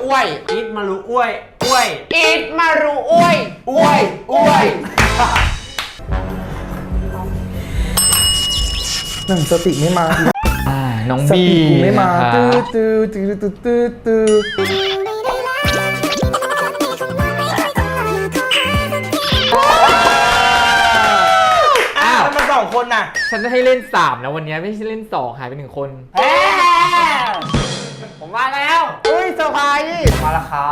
อ้วยอิดมารุอ้วยอ้วยอิดมารุอ้วยอ้วยอ้วยหนึ่งสติไม่มาน้องสบีติกูไม่มานะคะตื้อมันสองคนน่ะฉันจะให้เล่น3นะวันนี้ไม่ใช่เล่น2หายไป1คนผมมาแล้วเฮ้ยเซอร์ไพรส์มาแล้วครับ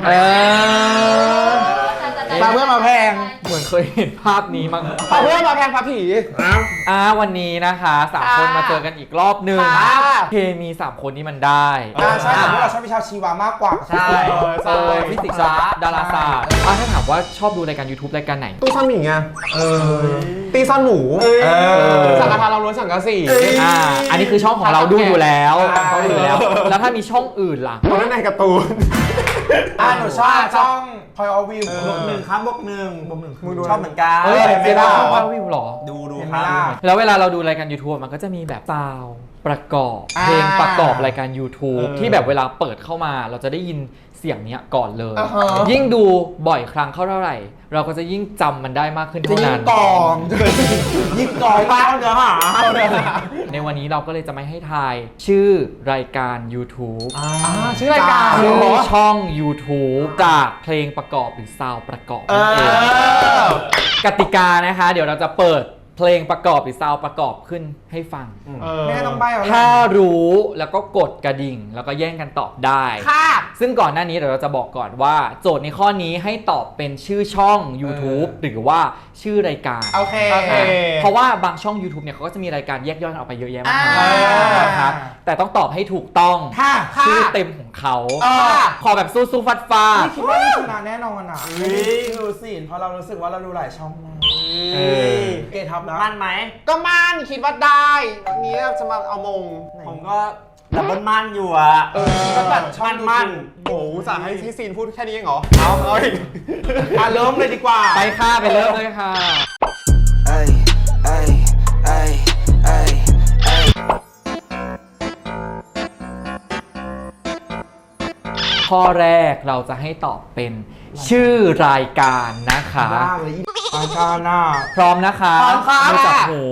มาเพื่อมาแพงเหมือนเคยเห็นภาพนี้มั้งมาเพื่อมาแพงพระผีวันนี้นะคะ3คนมาเจอกันอีกรอบหนึ่งค่ะเคมี3คนนี้มันได้ใช่แต่พวกเราชอบวิชาชีวามากกว่าใช่ฟิสิกส์ดาราศาสตร์ถ้าถามว่าชอบดูรายการ YouTube รายการไหนตู้ซ่อนหมีไงตีซ่อนหมูสังฆทานเราล้วนสังกะสีอันนี้คือช่องของเราดูอยู่แล้วใช่เขาดูอยู่แล้ว แล้วถ้ามีช่องอื่นล่ะคนนั้นในการ์ตูนหนูชอบช่องพอยอวิวบวกหนึ่งครับบวกหนึ่งมึงดูชอบเหมือนกันไม่ได้ช่องวิวหรอดูเห็นคไหมรับล่ะแล้วเวลาเราดูรายการ YouTube มันก็จะมีแบบซาวด์ประกอบเพลงประกอบรายการ YouTube ที่แบบเวลาเปิดเข้ามาเราจะได้ยินเสียงเนี้ยก่อนเลย ยิ่งดูบ่อยครั้งเท่าไหร่ เราก็จะยิ่งจำมันได้มากขึ้นจะเท่ายิงนั้นกองยิงกองป้าเนื้อหาในวันนี้เราก็เลยจะไม่ให้ทายชื่อรายการ YouTube ชื่อรายการชื่อช่อง YouTube จากเพลงประกอบหรือซาวด์ประกอบนั่นเองกติกานะคะ เดี๋ยวเราจะเปิดเพลงประกอบหรือซาวด์ประกอบขึ้นให้ฟังไม่ต้องใบ้เอาถ้ารู้แล้วก็กดกระดิ่งแล้วก็แย่งกันตอบได้ค่ะซึ่งก่อนหน้านี้เดี๋ยวเราจะบอกก่อนว่าโจทย์ในข้อนี้ให้ตอบเป็นชื่อช่อง YouTube หรือว่าชื่อรายการโอเคเพราะว่าบางช่อง YouTube เนี่ยเขาก็จะมีรายการแยกย่อยออกไปเยอะแยะมากมายนะครับแต่ต้องตอบให้ถูกต้องค่ะค่ะชื่อเต็มของเขาค่ะขอแบบสู้ๆฟัดคิดว่านี่ชนะแน่นอนอ่ะดูสิเพราะเรารู้สึกว่าเราดูหลายช่องมากเกทับนะมั่นไหมก็มั่นคิดว่าได้วันนี้จะมาเอามงผมก็ดับเบิลมั่นอยู่อะก็แบบช่องมั่นโอ้สั่งให้ซีนพูดแค่นี้เองเหรอ เอาอีกเริ่มเลยดีกว่าๆไปค่ะไปเริ่มเลยค่ะ Ay, ay, ay, ay, ay. ข้อแรกเราจะให้ตอบเป็นชื่อรายการนะคะยากเลยรายการน่ะพร้อมนะคะพร้อมครับมือจับหู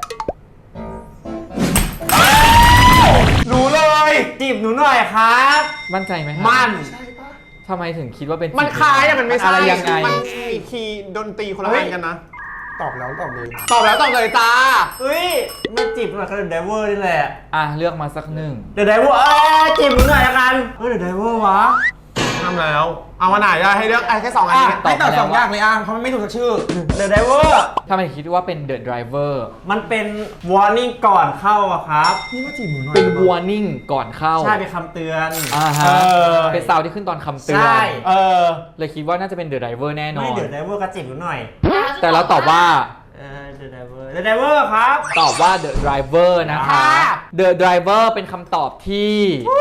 รู้เลยจีบหนูหน่อยครับมั่นใจไหมคะมั่นทำไมถึงคิดว่าเป็นมันคล้ายแต่มันไม่ใช่อะไรยังไงมันมีคีย์ดนตรีคนละอันกันนะ ตอบแล้วตอบเลย ตอบแล้วตอบเลยจ้าเฮ้ยไม่จีบหนูหน่อยก็เดอะไดเวอร์นี่แหละเลือกมาสักหนึ่งเดอะไดเวอร์จีบหนูหน่อยละกันเดอะไดเวอร์วะทำแล้ว เอามาไหนอะให้เลือกแค่2 อันนี้ตอบมาแล้ว 2 อย่างเลยเพราะมันไม่ถูกสักชื่อเดอะไดเวอร์ทำไมคิดว่าเป็น The Driver มันเป็น warning ก่อนเข้าอะครับนี่ว่าจีบหนูหน่อยเป็น warning ก่อนเข้าใช่เป็นคำเตือนฮะเป็นซาวด์ที่ขึ้นตอนคำเตือนใช่เลยคิดว่าน่าจะเป็น The Driver แน่นอไม่นเดอะไดเวอร์ก็จีบหนูหน่อยแต่เราตอบว่าเดอะไดเวอร์เดอะไดเวอร์ครับตอบว่า The Driver นะคะ The Driver เป็นคำตอบที่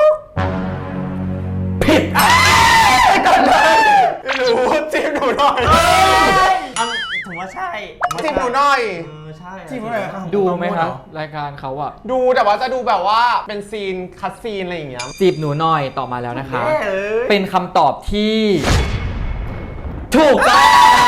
ผิดไม่รู้จีบหนูหน่อยผมว่าใช่จีบหนูหน่อยใช่จีบหนูหน่อยครับดูไหมครับรายการเขาอะดูแต่ว่าจะดูแบบว่าเป็นซีนคัดซีนอะไรอย่างเงี้ยจีบหนูหน่อยตอบมาแล้วนะคะแย่เลยเป็นคำตอบที่ ถูกต้อง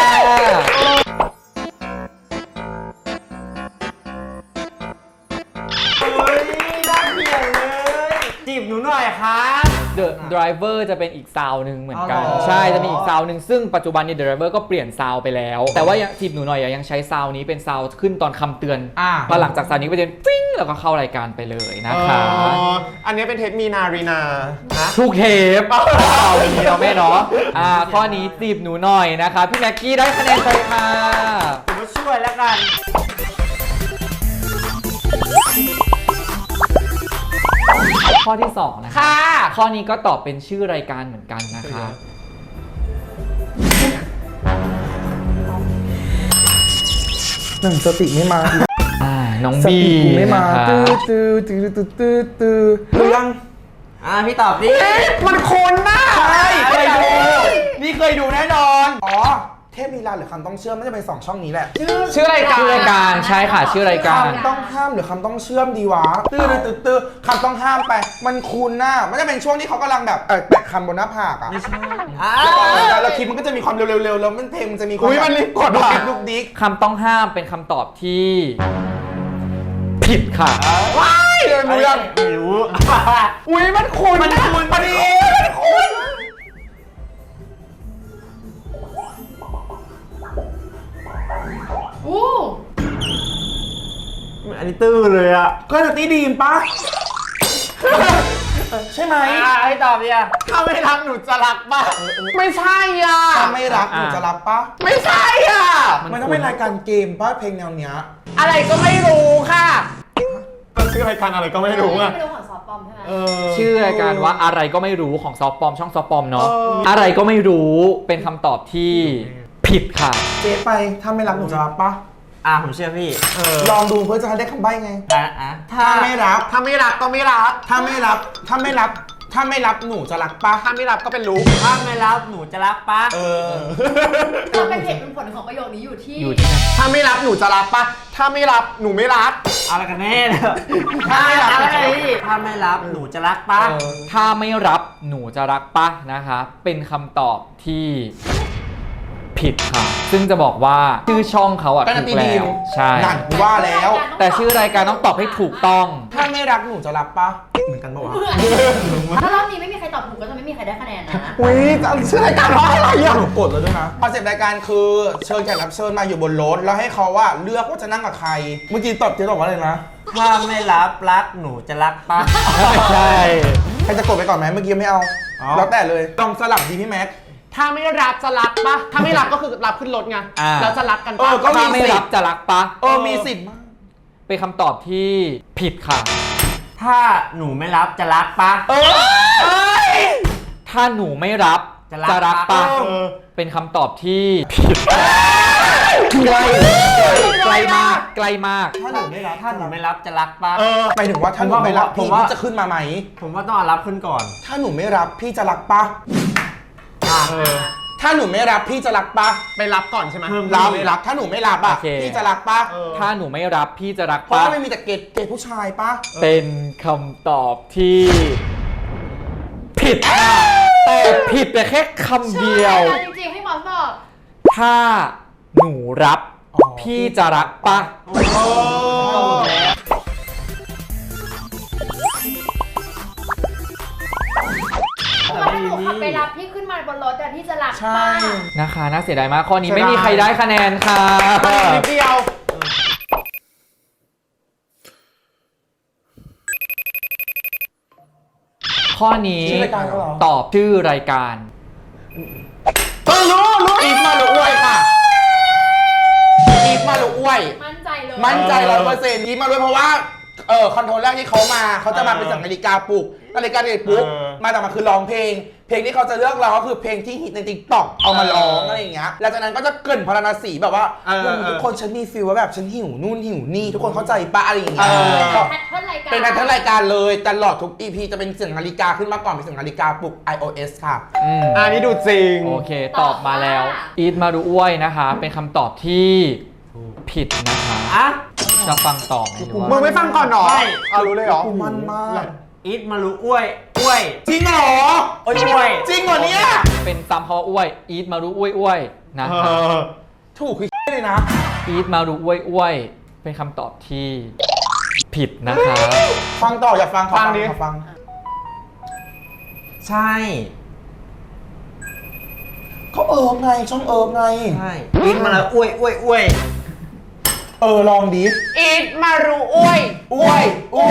เฮ้ยน่าเกลียดเลยจีบหนูหน่อยครับ The Driver จะเป็นอีกซาวด์หนึ่งเหมือนกันอ๋อเหรอใช่จะมีอีกซาวด์หนึ่งซึ่งปัจจุบันนี้ The Driver ก็เปลี่ยนซาวด์ไปแล้ว แต่ว่ายังจีบหนูหน่อยยังใช้ซาวด์นี้เป็นซาวด์ขึ้นตอนคำเตือนพอหลังจากซาวด์นี้ก็เป็นฟิ้งแล้วก็เข้ารายการไปเลยนะคะอันนี้เป็นเทปมีนารีนาทุกเทปเอาอย่างนี้เนาะแม่เนาะข้อนี้จีบหนูหน่อยนะคะพี่แม็กกี้ได้คะแนนไปค่ะผมก็ช่วยแล้วกันข้อที่2นะคะค่ะข้อนี้ก็ตอบเป็นชื่อรายการเหมือนกันนะคะหนึ่งสติไม่มาน้องสบีติกูไม่มานะคะรู้ยังพี่ตอบดิมันคุ้นน่ะใช่เคยดูนี่เคยดูแน่นอนอ๋อ เทพลีลาหรือคำต้องเชื่อมน่าจะเป็น2ช่องนี้แหละชื่อรายการชื่อรายการใช่ค่ะชื่อรายการคำต้องห้ามหรือคำต้องเชื่อมดีวะตื้อคำต้องห้ามไปมันคุ้นน่ะมันจะเป็นช่วงที่เขากำลังแบบแปะคำบนหน้าผากอ่ะไม่ใช่แล้วคลิปมันก็จะมีความเร็วๆแล้วมันเพลงมันจะมีความอุ้ยมันรีบกดดุกว่ะดิกดุกดิกคำต้องห้ามเป็นคำตอบที่ผิดค่ะว้ายเลยรู้ยังไม่รู้อุ้ยมันคุ้นมันคุ้นพอดีมันคุ้นอู้อันนี้ตื้อเลยอ่ะก็จะตีดีมปะใช่ไหมให้ตอบดิอ่ะถ้าไม่รักหนูจะรักป่ะไม่ใช่อ่ะถ้าไม่รักหนูจะรับปะไม่ใช่อ่ะมันต้องเป็นรายการเกมปะเพลงแนวเนี้ยอะไรก็ไม่รู้ค่ะชื่อรายการอะไรก็ไม่รู้อ่ะไม่รู้ของซอฟต์ปอมใช่ไหมชื่อรายการว่าอะไรก็ไม่รู้ของซอฟปอมช่องซอฟปอมเนาะอะไรก็ไม่รู้เป็นคำตอบที่ผิดค่ะเจ๊ไปถ้าไม่รักหนูจะรับปะผมเชื่อพี่ลองดูเพื่อจะได้คำใบ้ไงถ้าถ้าไม่รับถ้าไม่รักก็ไม่รักถ้าไม่รับหนูจะรักปะถ้าไม่รับก็เป็นรู้ถ้าไม่รับหนูจะรักปะเราเป็นเหตุเป็นผลของประโยคนี้อยู่ที่อยู่ที่ไหนถ้าไม่รับหนูจะรับป่ะถ้าไม่รับหนูไม่รักอะไรกันแน่เนี่ยถ้าไม่รับอะไรถ้าไม่รับหนูจะรักปะถ้าไม่รับหนูจะรักปะนะคะเป็นคำตอบที่ผิดค่ะ ซึ่งจะบอกว่าชื่อช่องเขาอะก็ถูนากตีแล้ดีมวใช่นั่นกูว่าแล้วแต่ชื่อรายการต้องตอบให้ถูกต้องถ้าไม่รักหนูจะรับปะเหมือนกันปะวะถ้ารอบนี้ไม่มีใครตอบถูกก็จะไม่มีใครได้คะแนนนะอุ้ยจะชื่อรายการว่าอะไรอ่ะหนูกดแล้วด้วยนะคอนเซ็ปต์รายการคือเชิญแขกรับเชิญมาอยู่บนรถแล้วให้เขาว่าเลือกว่าจะนั่งกับใคร เมื่อกี้ตอบเจ๊ตอบว่าอะไรนะถ้าไม่รับรักหนูจะรักปะไม่ใช่ใครจะกดไปก่อนไหมเมื่อกี้ไม่เอา แล้วแต่เลยลองสลับดีพี่แม็กถ้าไม่รับจะรักป่ะถ้าไม่รับก็คือรับขึ้นรถไงแล้วจะรักกันป่ะก็ถ้าไม่รับจะรักปะมีสิทธิ์มากเป็นคำตอบที่ผิดค่ะถ้าหนูไม่รับจะรักปะถ้าหนูไม่รับจะรักปะเป็นคำตอบที่ผิดไกลไกลมากไกลมากถ้าหนูไม่รับถ้าหนูไม่รับจะรักปะหมายถึงว่าถ้าหนูไม่รับพี่จะขึ้นมาไหมผมว่าต้องเอารับขึ้นก่อนถ้าหนูไม่รับพี่จะรักปะ ถ้าหนูไม่รับพี่จะรักปะไปรับก่อนใช่ไหมรับถ้าหนูไม่รับอ่ะโอเคพี่จะรักปะถ้าหนูไม่รับพี่จะรักเพราะปะว่าไม่มีแต่เกย์ผู้ชายปะเป็นคำตอบที่ผิดค่ะแต่ผิดแต่แค่คำเดียวใช่จริงๆให้หมอตอบถ้าหนูรับพี่จะรักปะว่าถ้าหนูขับไปรับพี่ขึ้นมาบนรถแต่พี่จะรักใช่ป้านะคะน่าเสียดายมากข้อนี้ไม่มีใครได้คะแนนค่ะนิดเดียวข้อนี้ชื่อรายการเขาเหรอตอบชื่อรายการรู้อีฟมาหรืออ้วยค่ะอีฟมาหรืออ้วยมั่นใจเลยมั่นใจ100%ยิ้มมาด้วยเพราะว่าคอนโทรลแรกที่เขามาเขาจะมาเป็นนาฬิกาปลุกนาฬิกาเด็กปุ๊บมาแต่มาคือร้องเพลง เพลงที่เขาจะเลือกร้องก็คือเพลงที่ฮิตใน TikTok เอามาร้องอะไรอย่างเงี้ยแล้วจากนั้นก็จะเกริ่นพรรณสีแบบว่าทุกคนฉันมีฟีลว่าแบบฉันหิวนู่นหิวนี่ทุกคนเข้าใจปะอะไรอย่างเงี้ยแพทเทิร์นรายการเป็นแพทเทิร์นรายการเลยตลอดทุก EP จะเป็นเสียงนาฬิกาขึ้นมาก่อนเป็นเสียงนาฬิกาปลุก iOS ค่ะอันนี้ดูจริงโอเคตอบมาแล้ว อีทมาดูอ้วยนะคะ เป็นคำตอบที่ผิดนะคะอ่ะจะฟังต่อไหมหรือมึงว่าไม่ฟังก่อนหรอใช่เอารู้เลยเหรอกูมันมากอีทมารู้อ้วยจริงเหรออ้วยจริงเหรอเนี่ยเป็นซ้ำคำว่าอ้วย อีทมาดูอ้วยนะคะถูกคือเลยนะอีทมาดูอ้วยเป็นคำตอบที่ผิดนะคะฟังต่ออยากฟังขอฟังดิขอฟังใช่เขาไงช่องไงใช่อีทมาแล้วอ้วยลองดิอีฟมารู้อ้วยอ้วย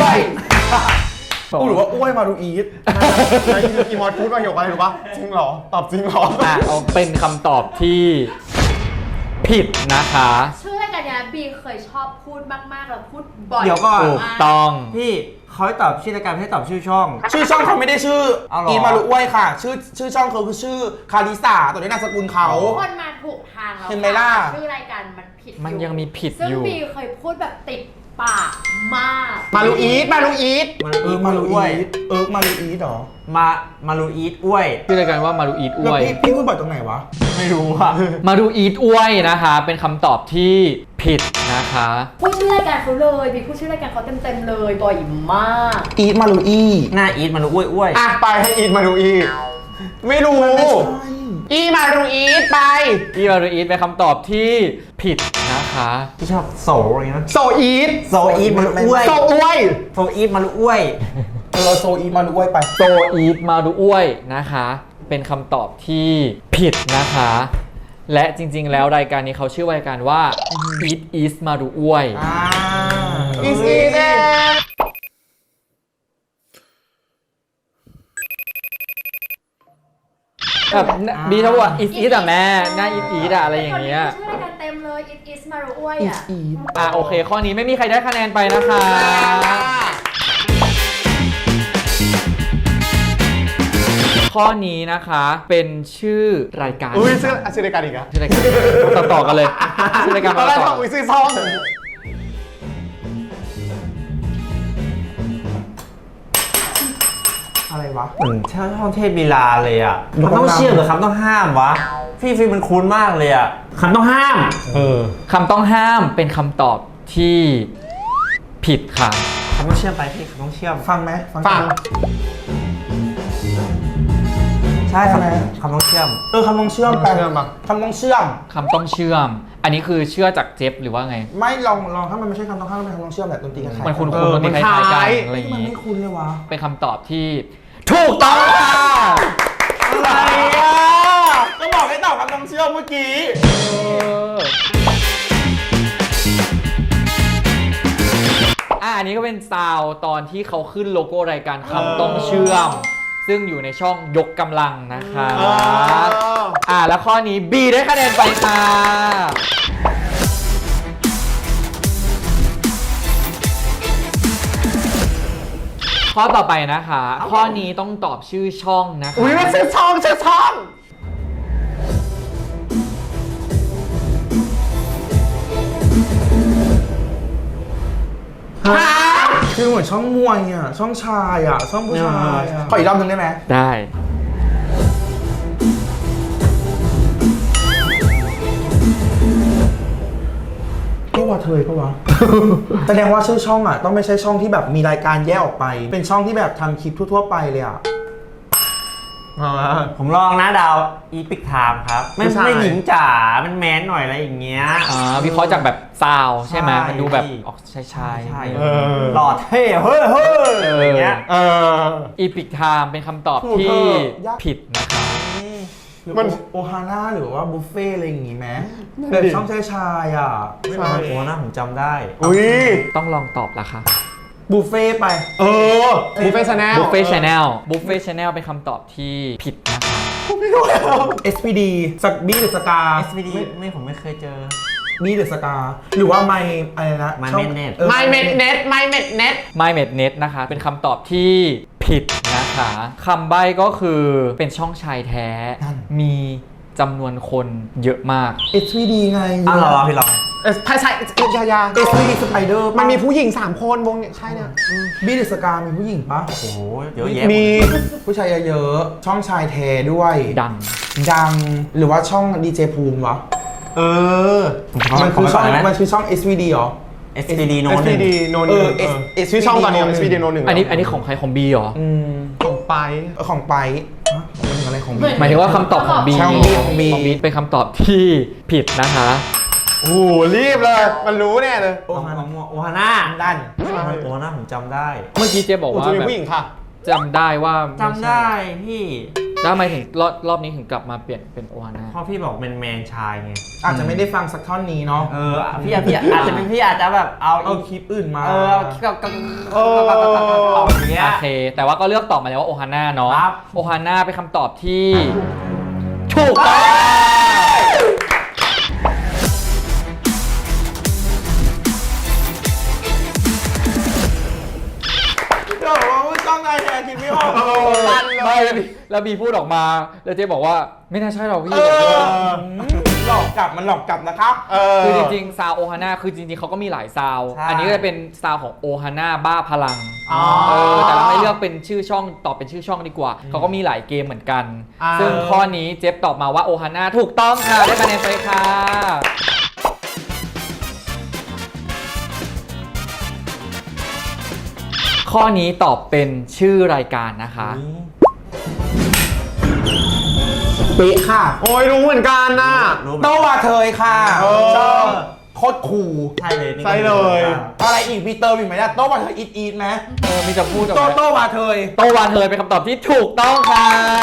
หรือว่าอ้วยมาดูอีทแล้วอีมอสพูดประโยคอะไรรู้ปะจริงเหรอ ตอบจริงเหรออ่ะเอาเป็นคำตอบที่ผิดนะคะชื่อรายการเนี้ยบีเคยชอบพูดมากๆแล้วพูดบ่อยเดี๋ยวก่อนถูกต้องพี่เขาให้ตอบชื่อรายการไม่ให้ตอบชื่อช่องชื่อช่องเขาไม่ได้ชื่อเอาเหรออีมารุอ้วยค่ะ ชื่อช่องเขาคือชื่อคาริสาตัวนี้นามสกุลเขาทุกคนมาถูกทางแล้วเห็นไหมล่ะชื่อรายการมันผิดมันยังมีผิดซึ่งอยู่บีเคยพูดแบบติดปากมากมารู้อีฟมารู้อีฟมารุอีทมารุอีทเหรอมารู้อีทอ้วยชื่อรายการว่ามารูอีทแล้วอ้วยพี่พูดบ่อยตรงไหนวะฮไม่รู้อ่ะมาดูอีทอ้วยนะคะ เป็นคำตอบที่ผิดนะคะพูดชื่อรายการเขาเลยมีพูดชื่อรายการเขาเต็มๆเลยบ่อยมากอีทมารูอี้หน้าอีทมันอ้วยอ่ะไปให้อีทมาดูอีทไม่รู้ อีมาดูอีทไปอีมาดูอีทเป็นคำตอบที่ผิดนะคะๆที่ชอบโซอะไรนะโซอีทโซอีทมันอ้วยโซอ้วยโซอีทมันอ้วยโซอีทมารูอ้วยไปโซอีทมาดูอ้วยนะคะ เป็นคำตอบที่ผิดนะคะ และจริงๆแล้วรายการนี้เขาชื่อรายการว่า Eat Is มาดูอ้วยอีสอีทเองแบบบีเขาบอกว่า Is Is อะแม่หน้า Eat Is อะอะไรอย่างเงี้ยชื่อรายการเต็มเลย It is มารุอ้วยอ่ะโอเค ข้อนี้ไม่มีใครได้คะแนนไปนะคะ ข้อนี้นะคะเป็นชื่อรายการอุ้ยชื่อรายการอีกอะชื่อรายการต่อๆกันเลยชื่อรายการตอนแรมาก ต่บออกอุ้ยซื้อซองอะไรวะเหมือนช่องเทพลีลาเลยอ่ะมันต้องเชื่อมหรือคำต้องห้ามวะพี่มันคุ้นมากเลยอ่ะคำต้องห้ามคำต้องห้ามเป็นคำตอบที่ผิดค่ะคำต้องเชื่อมไปพี่คำต้องเชื่อมฟังไหมฟังใช่ใช่ไหมคำต้องเชื่อมคำต้องเชื่อมแปลเชื่อมปะคำต้องเชื่อมคำต้องเชื่อม อันนี้คือเชื่อจากเจฟหรือว่าไงไม่ลองถ้ามันไม่ใช่คำต้องห้ามเป็นคำต้องเชื่อมแบบดนตรีกันมันคุ้นๆดนตรีคล้ายๆกันอะไรอย่างมันงี้ไม่คุ้นเลยวะเป็นคำตอบที่ถูกต้องค่ะอะไรอ่ะก็บอกให้ตอบคำต้องเชื่อมเมื่อกี้อันนี้ก็เป็นซาวด์ตอนที่เขาขึ้นโลโก้รายการคำต้องเชื่อม ซึ่งอยู่ในช่องยกกำลังนะคะแล้วข้อนี้ B ได้คะแนนไปค่ะ ข้อต่อไปนะคะ ข้อนี้ต้องตอบชื่อช่องนะคะอุ้ยมันชื่อช่องคือเหมือนช่องมวยอ่ะ ช่องชายอ่ะ ช่องผู้ชายอ่ะ ขออีกรอบหนึงได้ไหมได้พี่ว่าเธอปะวะ แสดงว่าชื่อช่องอ่ะ ต้องไม่ใช่ช่องที่แบบมีรายการแยกออกไป เป็นช่องที่แบบทำคลิปทั่วๆไปเลยอ่ะผมลองนะดาวอีพิกไทม์ครับไม่หญิงจ๋ามันแมนหน่อยอะไรอย่างเงี้ยวิเคราะห์จากแบบซาวด์ใช่ไหมใช่มันดูแบบพี่ออกชายใช่ๆหล่อเท่เฮ้ยอย่างเงี้ยอีพิกไทม์เป็นคำตอบที่ผิดนะคะมันโอฮาน่าหรือว่าบุฟเฟ่อะไรอย่างงี้ไหมแบบช่องชายๆอ่ะไม่มาโอ้นะผมจำได้อุ้ยต้องลองตอบละค่ะบุฟเฟ่ไปบุฟเฟ่ชาแนลบุฟเฟ่ชาแนลบุฟเฟ่ชาแนลเป็นคำตอบที่ผิดนะคะ SPD สักบี้หรือสกา SPD ผมไม่เคยเจอบี้หรือสกาหรือว่าไมอะไรนะ My ช่อง Mednet ไม่เม็ดเน็ตไม่เม็ดเน็ต My m e d Net นะคะ เป็นคำตอบที่ผิดนะคะคำใบ้ก็คือเป็นช่องชายแท้ มีจำนวนคนเยอะมาก SPD ไงรอพี่ลองภาษาอยา SPD Spider มันมีผู้หญิง3 คนวงเนี่ยใช่เนี่ยบี้หรือสกามีผู้หญิงปะโอ้โหเยอะแยะมีผู้ชายเยอะๆช่องชายแท้ด้วยดังหรือว่าช่องดีเจภูมิวะ มันคือช่อง SVD เหรอ SPD โน้น SPD โนน ชื่อช่องตอนนี้ SPD โนนหนึ่งอันนี้ของใครของ B เหรอของไปของไปอะไรของ B หมายถึงว่าคำตอบของ B ช่อง B ของ B เป็นคำตอบที่ผิดนะคะโอ้โหรีบเลย มันรู้แน่เลยโอฮาน่าด้านโอฮาน่าผมจำได้เมื่อกี้เจ๊บอกโอ้ว่าจะมีแบบผู้หญิงค่ะจำได้ว่าม่ใช่จำได้พี่แล้วทำไมถึงรอบนี้ถึงกลับมาเปลี่ยนเป็นโอฮาน่าเพราะพี่บอกแมนชายไงอาจจะไม่ได้ฟังสักท่อนนี้เนาะพี่อาจจะเป็นพี่อาจจะแบบเอาคลิปอื่นมาคลิปกับอย่างเงี้ยโอเค แต่ว่าก็เลือกตอบมาแล้วว่าโอฮาน่าเนาะครับโอฮาน่าเป็นคำตอบที่ถูกต้องเดี๋ยวว่าช่องนายแทนคิดไม่ออกไม่แล้วบีพูดออกมา แล้วเจ๊บอกว่าไม่น่าใช่หรอกพี่รหลอกกลับมันหลอกกลับนะครับคือจริงๆซาวโอฮาน่าคือจริงๆเขาก็มีหลายซาวใช่อันนี้ก็จะเป็นซาวของโอฮาน่าบ้าพลังอ๋อแต่เราไม่เลือกเป็นชื่อช่องตอบเป็นชื่อช่องดีกว่าเขาก็มีหลายเกมเหมือนกัน ซึ่งข้อนี้เจฟตอบมาว่าโอฮาน่าถูกต้องค่ะได้คะแนนไปค่ะข้อนี้ตอบเป็นชื่อรายการนะคะเป๊ะค่ะโอ้ยรู้เหมือนกันน่ะรู้ไหมโตวาเทยค่ะเออชอบโคตรคูลใช่เลยนี่ก็ใช่เลยอะไรอีกพีเตอร์อีกไหมล่ะโตวาเทยอีทไหมมีจะพูดกับโตวาเทยโตวานเทยเป็นคำตอบที่ถูกต้องค่ะ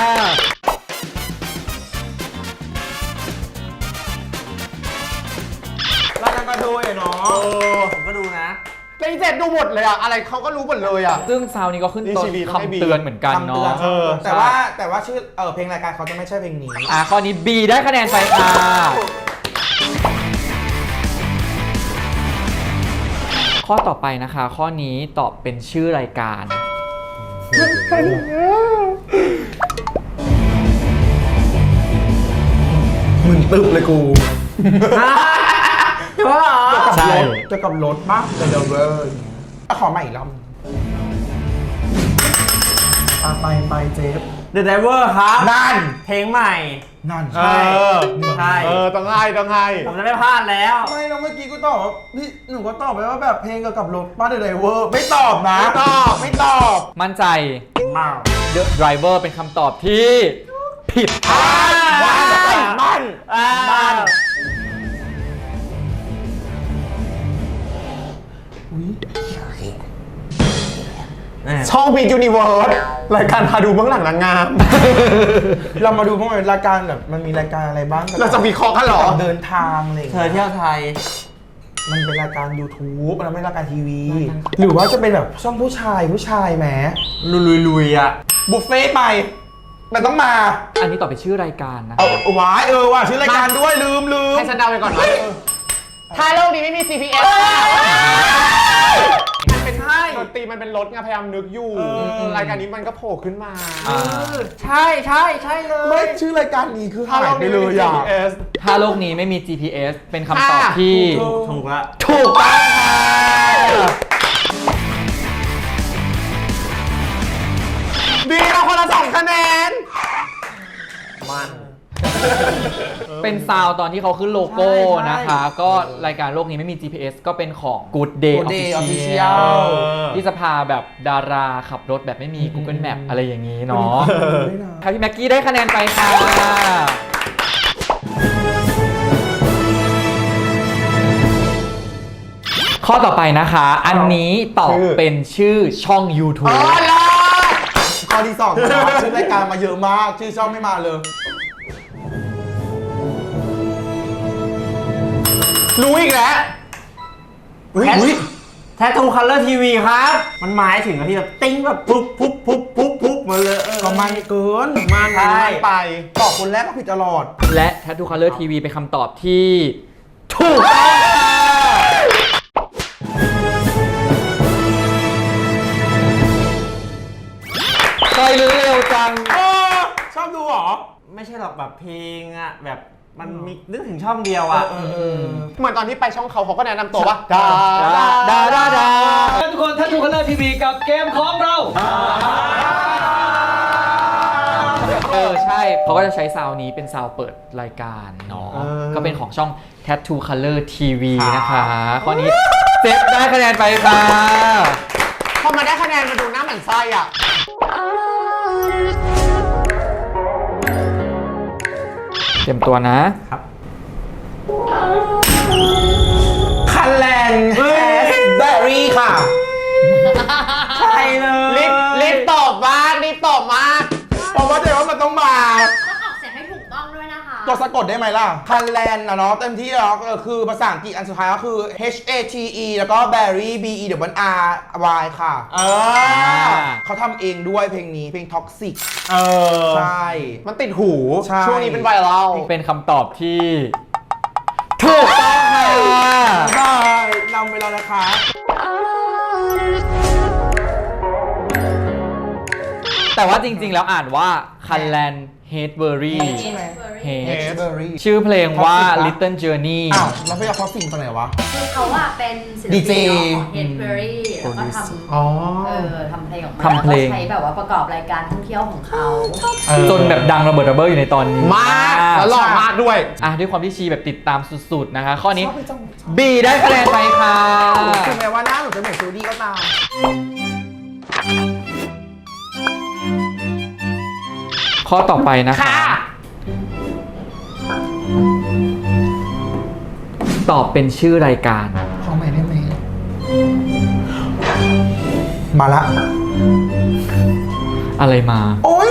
รายการกระโดยเนาะผมก็ดูนะแต่อีเจ็ดดูหมดเลยอะอะไรเขาก็รู้หมดเลยอะซึ่งซาวนี้ก็ขึ้นต้นนี่ชีวิตต้องให้คำเตือนเหมือนกันคำเตือนเนาะเออแต่ว่าชื่อเพลงรายการเขาจะไม่ใช่เพลงนี้ข้อนี้ B ได้คะแนนไปค่ะ ข้อต่อไปนะคะ ข้อนี้ตอบเป็นชื่อรายการมึงตึบเลยกูใช่เกี่ยวกับรถบ้างเดลเวอร์ขอใหม่อีกรอบไปเจฟ The Driver ครับนั่นเพลงใหม่นั่นเออใช่ต้องให้ต้องให้ผมจะไม่พลาดแล้วไม่แล้วเมื่อกี้กูตอบว่าพี่หนูก็ตอบไปว่าแบบเพลงเกี่ยวกับรถบ้านเดลเวอร์ไม่ตอบนะ ไม่ตอบมั่นใจมา The Driver เป็นคำตอบที่ผิดค่ะมันช่องพียูนิเวิร์สรายการพาดูเบื้องหลังนางงามเรามาดูพวกมันรายการแบบมันมีรายการอะไรบ้างเราจะวิเคราะห์กันเหรอเดินทางอะไรอย่างเธอเงี้ยเที่ยวไทยมันเป็นรายการ YouTube มันไม่ใช่รายการทีวี หรือว่าจะเป็นแบบช่องผู้ชายแหมลุยๆอ่ะบุฟเฟ่ต์ไป มันต้องมาอันนี้ตอบเป็นชื่อรายการนะเอาว้ายว่ะชื่อรายการด้วยลืมให้ฉันเดาไปก่อนนะถ้าโลกนี้ไม่มี CPS มันเป็นดนตรีมันเป็นรถไงพยายามนึกอยู่ รายการนี้มันก็โผล่ขึ้นมาใช่เลยไม่ชื่อรายการนี้คือถ้าหายโลกไปนี้เลไม่มียอ่ะ CPS ถ้าโลกนี้ไม่มี GPS เป็นคำตอบที่ถูกละถูกต้องค่ะดีเราคนละ2 คะแนนมันเป็นซาวตอนที่เขาขึ้นโลโก้นะคะ ก็รายการโลกนี้ไม่มี GPS ก็เป็นของ Good Day Good Day Official Official ที่จะพาแบบดาราขับรถแบบไม่มี Google Map อะไรอย่างนี้เนาะครับพี่แม็กกี้ได้คะแนนไปค่ะ ข้อต่อไปนะคะ อันนี้ตอบเป็นชื่อช่อง YouTube ข้อที่2นะชื่อรายการมาเยอะมาก ชื่อช่องไม่มาเลยรู้อีกแล้วแททูคัลเลอร์ทีวีครับ มันหมายถึงอะไรที่แบบติ้งแบบปุ๊บมาเลยก็มันเกินมันไปตอบคนแรกก็ผิดตลอดและ Tattoo Color TV เป็นคำตอบที่ถูกต้องค่ะเคยรู้เร็วจังชอบดูเหรอไม่ใช่หรอกแบบเพลงอ่ะแบบมันมีนึกถึงช่องเดียวอ่ะเหมือนตอนที่ไปช่องเขาก็แนะนำตัวว่าดาทุกคนTattoo Color TV กับเกมของเรา ใช่เขาก็จะใช้ซาวนี้เป็นซาวเปิดรายการเนาะก็เป็นของช่อง Tattoo Color TV นะคะข้อนี้เจ็บได้คะแนนไปค่ะพอมาได้คะแนนมาดูหน้าเหมือนไส้อ่ะเตรียมตัวนะคันแลนแฮสเบอรี่ค่ะใช่เลยรีบตอบมากเพราะว่าเดี๋ยวว่ามันต้องมาต้องออกเสียงให้ถูกต้องด้วยนะคะตัวสะกดได้ไหมล่ะ คันแลนนะเนาะเต็มที่แล้วก็คือภาษาอังกฤษอันสุดท้ายก็คือ H A T E แล้วก็ Berry B E W R Y ค่ะ เขาทำเองด้วยเพลงนี้เพลง Toxic ใช่มันติดหูใช่ช่วงนี้เป็นไวรัลเป็นคำตอบที่ถูกต้องค่ะได้นำไปแล้วนะคะแต่ว่าจริงๆ แล้วอ่านว่าคันแลนเฮดเบอร์รี่ใช่ไหมเฮด Berry ชื่อเพลงว่า Toxic ปะ Little Journey อ้าวแล้วพี่เอาเขาสิ่งตรงไหนวะคือเขาอะเป็นศิล DJ ปินของ Headberry แล้วก็ทำอ๋อทำเพลงออกมาทำเพลงแล้วก็ใช้แบบว่าประกอบรายการท่องเที่ยวของเขาจนแบบดังระเบิดระเบ้ออยู่ในตอนนี้มากแล้วหล่อมากด้วยอ่ะด้วยความที่ชีแบบติดตามสุดๆนะคะ ข้อนี้ B ได้คะแนนไปค่ะถึงแม้ว่าหน้าหนูจะเหมือนซูดี้ก็ตามข้อต่อไปนะคะ ตอบเป็นชื่อรายการขอใหม่ได้ไหมมาละอะไรมาโอ๊ย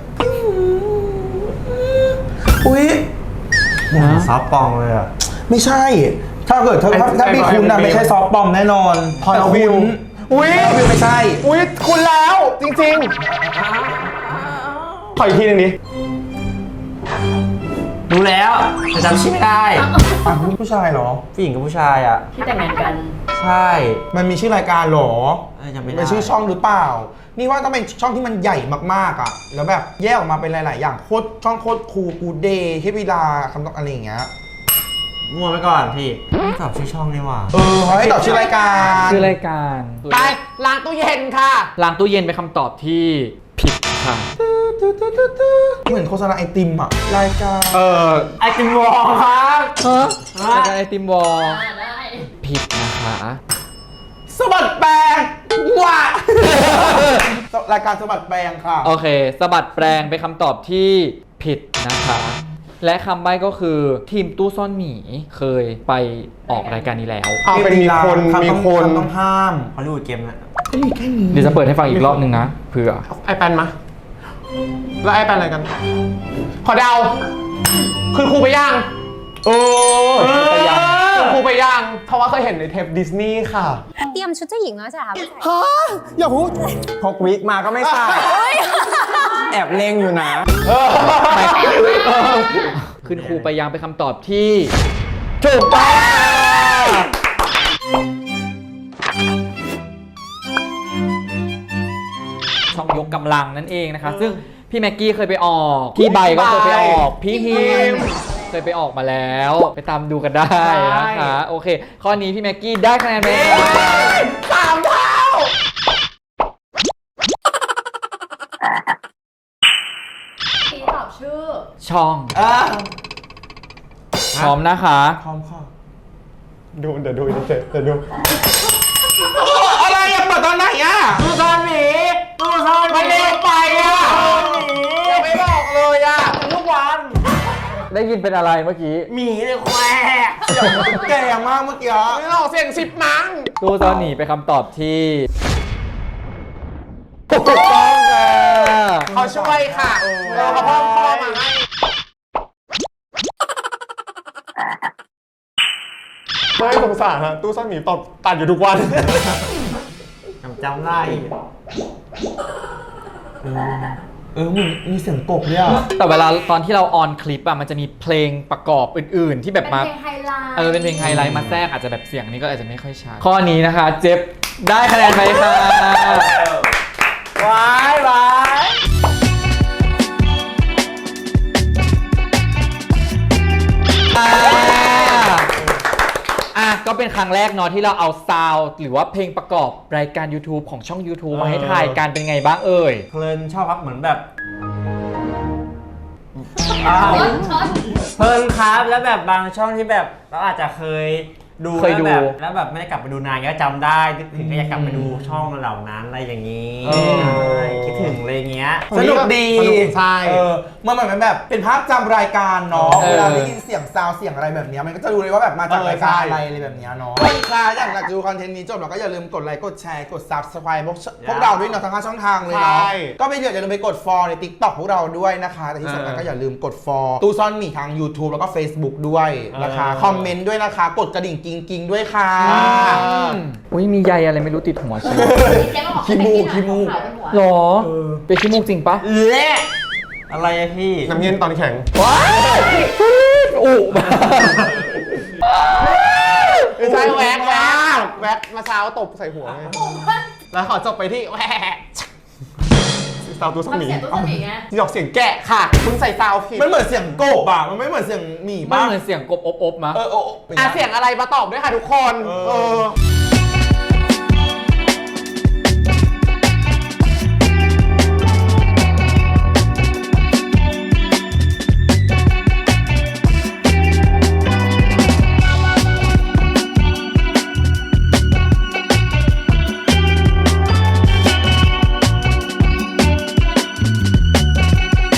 อุ๊ยซอฟต์ปองเลยอ่ะไม่ใช่ ถ้าเกิดถ้าพี่คุณนะไม่ใช่ซอฟต์บอมแน่นอนพอยวิวอุ้ยวิวไม่ใช่อุ๊ย คุณแล้วจริงๆ ขออีกทีหนึงดิรู้แล้วแต่จำชื่อไม่ได้อ่ะผู้ชายเหรอผู้หญิงกับผู้ชายอ่ะที่แต่งงานกันใช่มันมีชื่อรายการเหรอจำไม่ได้เป็นชื่อช่องหรือเปล่า นี่ว่าต้องเป็นช่องที่มันใหญ่มากๆอ่ะ แล้วแบบแยกออกมาเป็นหลาย ๆ อย่างโคตรช่องโคตรคูลกูเดย์เทพวิลาคำต้องอะไรอย่างเงี้ยมั่วไปก่อนพี่ไม่ตอบชื่อช่องนี่หว่าเขาให้ตอบชื่อรายการชื่อรายการไปล้างตู้เย็นค่ะล้างตู้เย็นเป็นคำตอบที่ผิดค่ะเหมือนโฆษณาไอติมอ่ะ รายการไอติมวอลครับรายการไอติมวอลได้ผิดนะคะสะบัดแปลงว้าร ายการสะบัดแปลงค่ะโอเคสะบัดแปลงเป็นคำตอบที่ผิดนะคะ และคำใบ้ก็คือทีมตู้ซ่อนหมีเคยไปออกรายการนี้แล้วเอาเป็นมีคน มีคนต้องห้ามฮอลลีวูดเกมนะเดี๋ยวจะเปิดให้ฟังอีกรอบนึงนะเผื่อไอแปนมา แล้วไอแปนอะไรกัน ขอเดา คือครูไปย่างไปยังคือครูไปย่าง เพราะว่าเคยเห็นในเทปดิสนีย์ค่ะเตรียมชุดเจ้าหญิงแล้วใช่ไหมคะอย่าพูดพกวิกมาก็ไม่ใส่ แอบเลงอยู่นะขึ้นครูไปยังเป็นคำตอบที่ถูกต้องช่องยกกำลังนั่นเองนะคะ ซึ่งพี่แม็กกี้เคยไปออก พี่ใบก็เคยไปออก พี่ฮิมเคยไปออกมาแล้ว ไปตามดูกันได้นะคะ โอเค ข้อนี้พี่แม็กกี้ได้คะแนนไปค่ะ 3 เท่าที่ตอบชื่อช่องพร้อมนะคะพร้อมค่ะดูเดี๋ยวดูเดี๋ยวดูอะไรอะเปิดตอนไหนอะตู้ซ่อนหมีตู้ซ่อนหมีมันเร็วไปอะยังไม่บอกเลยอะทุกวันได้ยินเป็นอะไรเมื่อกี้หมีเลยแควเสียงมันแก่มากเมื่อกี้ไม่หลอกเสียง10 มั้งตู้ซ่อนหนีเป็นคำตอบที่ถูกต้องค่ะเขาช่วยค่ะเขาเพิ่มข้อมาให้ไม่สงสารฮะตู้ซ่อนหมีตอบตัดอยู่ทุกวันจำได้มึงมีเสียงกบเนี่ยแต่เวลาตอนที่เราออนคลิปอะมันจะมีเพลงประกอบอื่นๆ ที่แบบเป็นมาเพลงไฮไลท์เป็นเพลงไฮไลท์มาแทรกอาจจะแบบเสียงนี้ก็อาจจะไม่ค่อยชัดข้อนี้นะคะ เจ็บได้คะแนนไปค่ะว้ายว้ายก็เป็นครั้งแรกเนาะที่เราเอาซาวด์หรือว่าเพลงประกอบรายการ YouTube ของช่อง YouTube มาให้ทายกันเป็นไงบ้างเอ่ยเพลินชอบครับเหมือนแบบช็อตเพลินครับแล้วแบบบางช่องที่แบบเราอาจจะเคยดูเคยดูแล้วแบบไม่ได้กลับไปดูนานก็จำได้นึกถึงก็อยากกลับไปดูช่องเหล่านั้นอะไรอย่างนี้เออใช่คิดถึงอะไรเงี้ยสนุกดีสนุกใช่มันเหมือนแบบเป็นภาพจำรายการเนาะเออเวลาได้ยินเสียงซาวด์เสียงอะไรแบบเนี้ยมันก็จะรู้เลยว่าแบบมาจากรายการอะไรแบบเนี้ยเนาะคนค่ะอยากดูคอนเทนต์นี้จบเราก็อย่าลืมกดไลค์กดแชร์กด Subscribe พวกเราด้วยเนาะทั้ง5ช่องทางเลยเนาะใช่ก็ไม่อย่าลืมไปกด follow ใน TikTok พวกเราด้วยนะคะ แต่ที่สำคัญก็อย่าลืมกด follow ตู้ซ่อนหมีทาง YouTube แล้วก็ Facebook ด้วยนะคะคอมเมนต์ด้วยนะคะกดกระดิ่งกิ้งๆด้วยค่ะอุ้ยมีใยอะไรไม่รู้ติดหัวฉันเจ๊มาบอกขี้มูกขี้มูกขาวเป็นหัวหรอเป็นขี้มูกจริงปะเละอะไรอะพี่น้ำเย็นตอนแข็งอู้ไม่ใช่แว็กมาเช้าตบใส่หัวไงแล้วขอจบไปที่แว็กซาวตู้สทำมีเสียงตู้สมีไงที่ออกเสียงแกะค่ะ คุณใส่ซาวผิดมันเหมือนเสียงกบอ่ะมันไม่เหมือนเสียงหมีมันป่ะเหมือนเสียงกบอบๆมะเออเสียงอะไรมาตอบด้วยค่ะทุกคนเออ